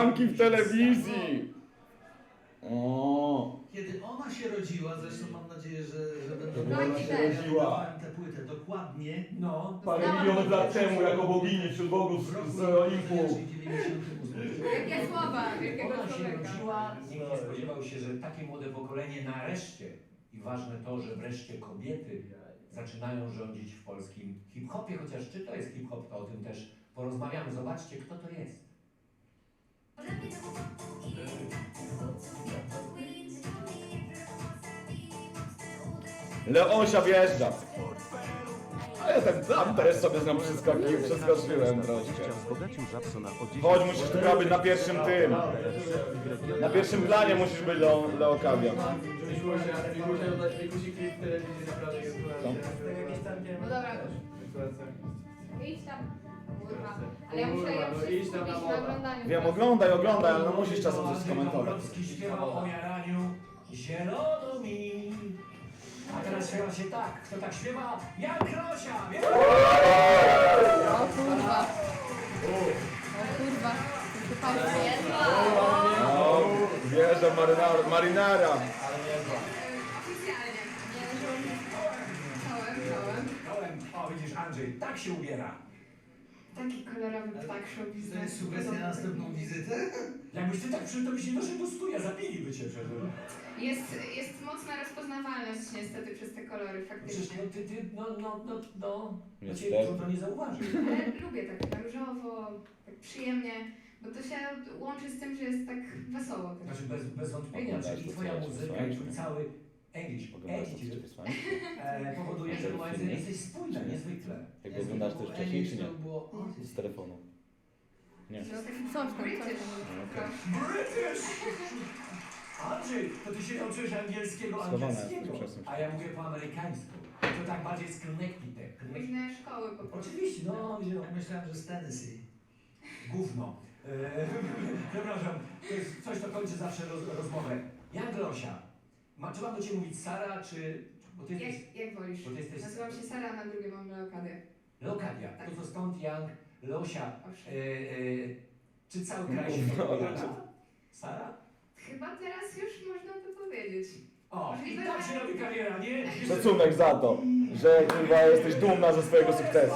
Hulanki w telewizji! O. Kiedy ona się rodziła, zresztą mam nadzieję, że będę Kiedy ona się rodziła. tę płytę dokładnie. No. Parę milionów lat temu, jako bogini wśród bogów W roku z Olimpu. 98. Jakie słowa, wielkiego Ona się człowieka. rodziła, nikt nie spodziewał się, że takie młode pokolenie nareszcie, i ważne to, że wreszcie kobiety zaczynają rządzić w polskim hip-hopie, chociaż czy to jest hip-hop, to o tym też porozmawiamy. Zobaczcie, kto to jest. Leosia wjeżdża. A ja tam też sobie z nią przeskoczyłem troszkę. Wzbogacił Żabsona o 10 Chodź, musisz tu być na pierwszym tym. Na pierwszym planie musisz być Leokadia. Musiał dać Wikusi klip w telewizji, naprawdę jest No dobra, idź tam. Kurwa. Ale ja muszę ją Idź tam na skupić wodę. na oglądaniu. Wiem, oglądaj, ale no musisz czasem coś skomentować. Dąbrowski śpiewał o jaraniu, zielono mi. A teraz śpiewa się tak. Kto tak śpiewa? Jan Krosia! O kurwa. O kurwa. To palce jest. No, wjeżdża marynara. Oficjalnie. Nie, czołem. Kołem. O, widzisz, Andrzej, tak się ubiera. Taki kolorowy ptak show To jest biznes. sugestia na następną wizytę? Jakbyś ty tak przyszedł, to byś nie doszedł do studia, zabiliby cię przecież. Jest mocna rozpoznawalność niestety przez te kolory Przecież faktycznie. no. Niestety. Cię trudno nie zauważyć. Ale lubię tak na różowo, tak przyjemnie, bo to się łączy z tym, że jest tak wesoło też. Znaczy bez wątpienia, Oglądasz czyli to, twoja co ja muzyka przesłałem, i twój nie? cały English attitude Wysłanie? powoduje, że momenty jesteś spójna, niezwykle. Jak go oglądasz też wcześniej, czy nie? To było Z telefonu. Nie. To taki coś tam. British! Andrzej, to ty się nauczyłeś angielskiego, Schowane, angielskiego, przepraszam. a ja mówię po amerykańsku. To tak bardziej z Connecticut. Różne szkoły po prostu. Oczywiście, no, Ja myślałem, że z Tennessee. gówno. Przepraszam, to jest coś, co kończy zawsze rozmowę. Jan Grosia, czy mam do ciebie mówić Sara, czy... Bo ty jesteś... Jak wolisz? Bo ty jesteś... Nazywam się Sara, a na drugie mam Leokadię. Leokadia, Tak. to stąd Jan, Leosia. Owszem. Czy cały kraj się No, odpowiada? Sara? Chyba teraz już można to powiedzieć. O, i Możliwe, tak się że- robi kariera, nie? Szacunek za to, że chyba jesteś dumna ze swojego sukcesu.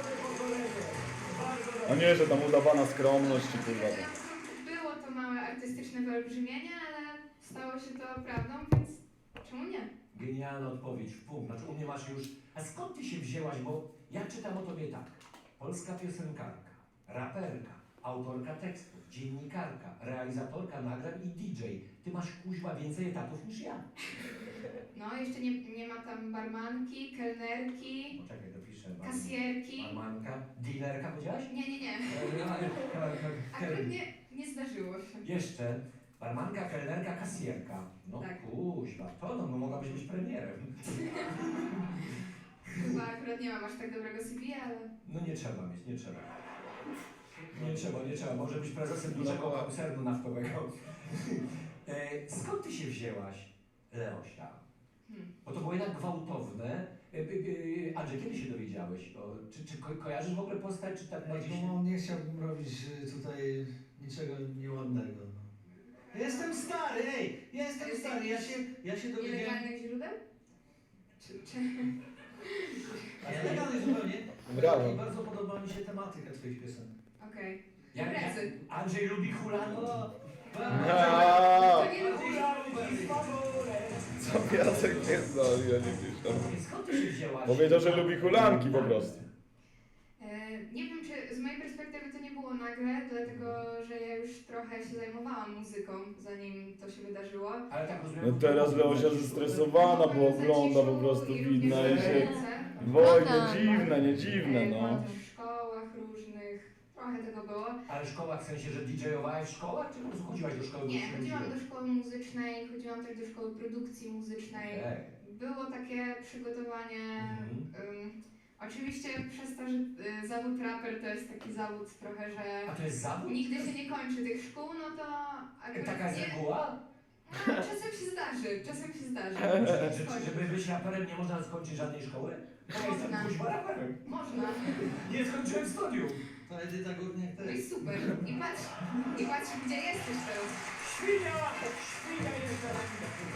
A nie, że tam udawana skromność czy kurwa. Na początku było to małe artystyczne wyolbrzymienie, ale stało się to prawdą, więc czemu nie? Genialna odpowiedź, w punkt. Znaczy u mnie masz już... A skąd ty się wzięłaś? Bo ja czytam o tobie tak. Polska piosenkarka, raperka, autorka tekstów, dziennikarka, realizatorka nagrań i DJ. Ty masz kuźwa więcej etatów niż ja. No, jeszcze nie ma tam barmanki, kelnerki, Poczekaj, dopiszę. kasjerki. Barmanka, dealerka powiedziałaś? Nie. Akurat nie zdarzyło się. Jeszcze barmanka, kelnerka, kasjerka. No Tak. kuźwa, to no mogłabyś być premierem. Chyba akurat nie mam aż tak dobrego CV, ale... No nie trzeba mieć, nie trzeba. Nie trzeba. Może być prezesem dużego koncernu naftowego. Skąd ty się wzięłaś, Leosia? Bo to było jednak gwałtowne. Andrzej, kiedy się dowiedziałeś? Czy kojarzysz w ogóle postać, czy tak bardziej się... No, nie chciałbym robić tutaj niczego nieładnego. No. Jestem stary, ej! Jestem stary, ja się dowiedziałem... Nielegalnych źródeł? Czy... Nie legalny zupełnie. Brawo. I bardzo podoba mi się tematyka twoich piosenek. Okej. Jak Imprezy. Andrzej lubi hulanki. Aaa, To nie lubię. Hulanki, faworet. co Jacek nie znał, ja nie piszę. Skąd ty się wzięłaś? Powiedział, że lubi hulanki po prostu. Nie wiem, czy z mojej perspektywy to nie było nagle, dlatego że ja już trochę się zajmowałam muzyką, zanim to się wydarzyło. Ale tak rozumiem... No teraz Leosia zestresowana, bo ogląda po prostu widna i się... Wojna, nie dziwne, no. Byłam też w szkołach różnych, trochę tego było. Ale szkoła w sensie, że DJ-owałaś w szkołach, czy po prostu chodziłaś do szkoły? Nie, chodziłam do szkoły muzycznej, chodziłam też do szkoły produkcji muzycznej. Było takie przygotowanie. Oczywiście przez to, że zawód raper to jest taki zawód trochę, że A to jest zawód? nigdy się nie kończy tych szkół, no to akurat Taka jest nie, reguła? no, czasem się zdarzy. Żeby być raperem nie można skończyć żadnej szkoły? Bo ja jestem Można. kuźwa raperem. Można. Nie skończyłem studiów. To Edyta Górniak No też. i super. I patrz, I patrz, gdzie jesteś teraz. Świnia! Świnia jest na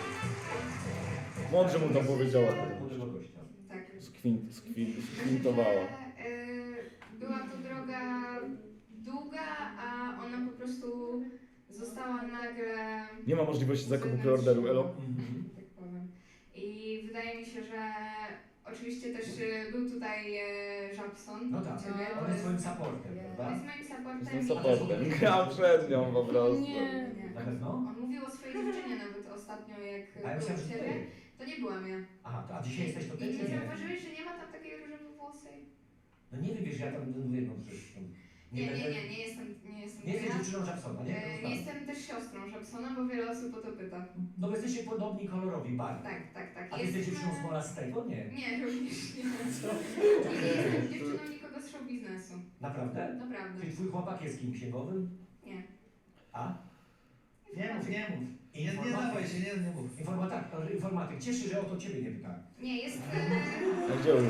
Mądrze mu to powiedziała. młodego gościa. Tak. Skwintowała. Była to droga długa, a ona po prostu została nagle... Nie ma możliwości zakupu preorderu, elo? Tak powiem. I wydaje mi się, że oczywiście też był tutaj Żabson. No tak, Ciebie. on jest twoim supportem, On prawda? jest moim supportem. Jestem supportem. Gram przed nią po prostu. Nie. Na pewno? On mówił o swojej dziewczynie nawet ostatnio, jak A ja był myślałem, u że ciebie. ty. To nie byłam ja. Aha, a dzisiaj jesteś to ty, I czy nie nie? zauważyłeś, że nie ma tam takiej różowo-włosej? No nie wiem, wiesz, ja tam mówię jedną rzecz. Nie będę- jestem Nie to jesteś ja. dziewczyną Jacksona, nie? Nie jestem też siostrą Żabsona, bo wiele osób o to pyta. No bo jesteście podobni kolorowi bardzo. Tak. A ty jesteś dziewczyną Smolastego? Nie. Nie, również nie. Nie jestem dziewczyną nikogo z show biznesu. Naprawdę? Naprawdę. Czy twój chłopak jest kim księgowym? Nie. A? Nie mów. Nie dawaj się, nie mów. Informatyk. Cieszę się, że o to ciebie nie pytałem. Nie, jest... A gdzie on?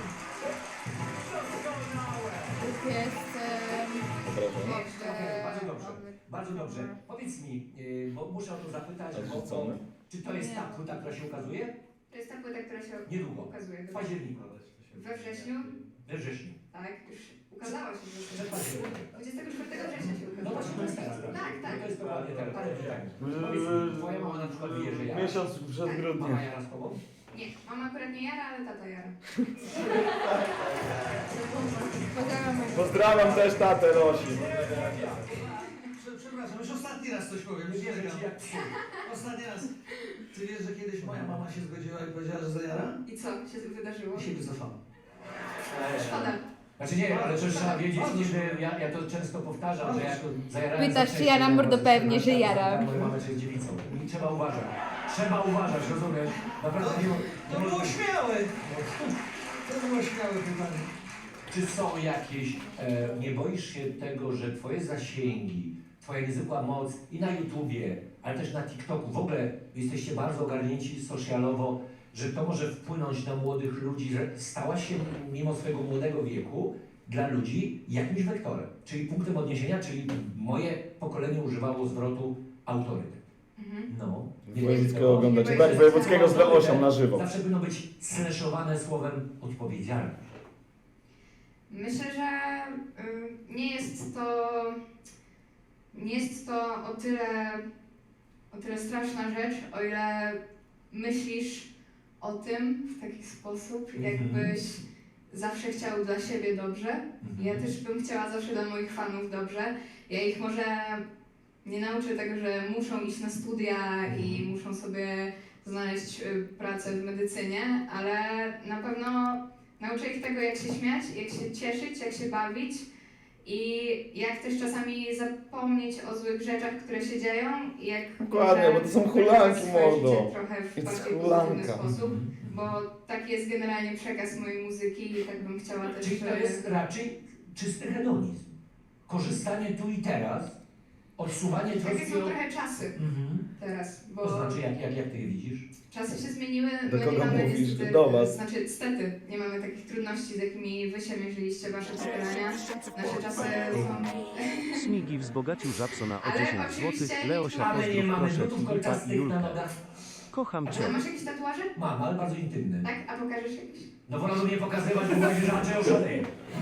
Bardzo dobrze. Bardzo dobrze. Powiedz mi, bo muszę o to zapytać, Odrzucony. czy to jest ta płyta, która się ukazuje? To jest ta płyta, która się Niedługo. ukazuje. W październiku. We wrześniu, We wrześniu. tak, już ukazała się. Przed październikiem. 24 września się ukazała. No właśnie, to jest teraz, prawda? Tak, tak. No to jest dokładnie teraz. Parę dni temu. Powiedz mi, twoja mama na przykład wie, że ja. Miesiąc przed Mama grudniem. jara z tobą? Nie, mama akurat nie jara, ale tata jara. Pozdrawiam też tatę Rosi. Przepraszam, już ostatni raz coś powiem. Nie wierzę ci jak Ostatni raz. Ty wiesz, że kiedyś moja mama się zgodziła i powiedziała, że zajara? I co się wydarzyło? I się wycofała. Szkoda. Znaczy nie, ale też trzeba wiedzieć, że ja to często powtarzam, że jak zajarałem Pytasz, za czy wcześnie, jaram, mordo, to pewnie, że jaram. Moja mama jest dziewicą. I trzeba uważać. Trzeba uważać, rozumiesz? Naprawdę nie To było śmiałe. To było śmiałe pytanie. Czy są jakieś, nie boisz się tego, że twoje zasięgi, twoja niezwykła moc i na YouTubie, ale też na TikToku, w ogóle jesteście bardzo ogarnięci socialowo, że to może wpłynąć na młodych ludzi, że stałaś się mimo swojego młodego wieku dla ludzi jakimś wektorem, czyli punktem odniesienia, czyli moje pokolenie używało zwrotu autorytet. Mhm. No. Wojewódzkiego oglądacie. Tak, Wojewódzkiego z Leosią na żywo. Zawsze będą być slashowane słowem odpowiedzialność. Myślę, że nie jest to o tyle straszna rzecz, o ile myślisz o tym w taki sposób, jakbyś zawsze chciał dla siebie dobrze. Ja też bym chciała zawsze dla moich fanów dobrze. Ja ich może nie nauczę tego, że muszą iść na studia i muszą sobie znaleźć pracę w medycynie, ale na pewno nauczę ich tego, jak się śmiać, jak się cieszyć, jak się bawić i jak też czasami zapomnieć o złych rzeczach, które się dzieją i jak Dokładnie, może bo to są wykorzystać hulanki, swoje mordo. życie trochę w To jest bardziej hulanka. pozytywny sposób, bo taki jest generalnie przekaz mojej muzyki i tak bym chciała też, Czyli to jest raczej czysty hedonizm. Korzystanie tu i teraz, odsuwanie Takie troski są od... trochę czasy teraz, bo To znaczy, jak ty je widzisz? czasy się zmieniły, Do my kogo nie mamy mówisz? niestety, Do was. znaczy niestety, nie mamy takich trudności, z jakimi wy się mierzyliście, wasze pokolenia. Nasze czasy są... Smigi wzbogacił Żabsona o Ale 10 oczywiście zł. nie Leosia Ale nie pozdrów mamy proszę nutów Filipa i kolczastych na Julkę. nogach. Kocham cię. A masz jakieś tatuaże? Mam, ale bardzo intymny. Tak? A pokażesz jakieś? No wolałbym nie pokazywać, bo będzie, że Andrzej oszaleje.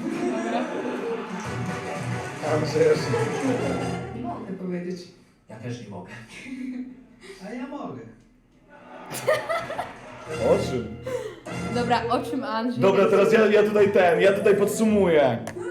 Nie mogę powiedzieć. Ja też nie mogę. A ja mogę. O czym? Dobra, o czym Andrzej? Dobra, teraz ja tutaj podsumuję.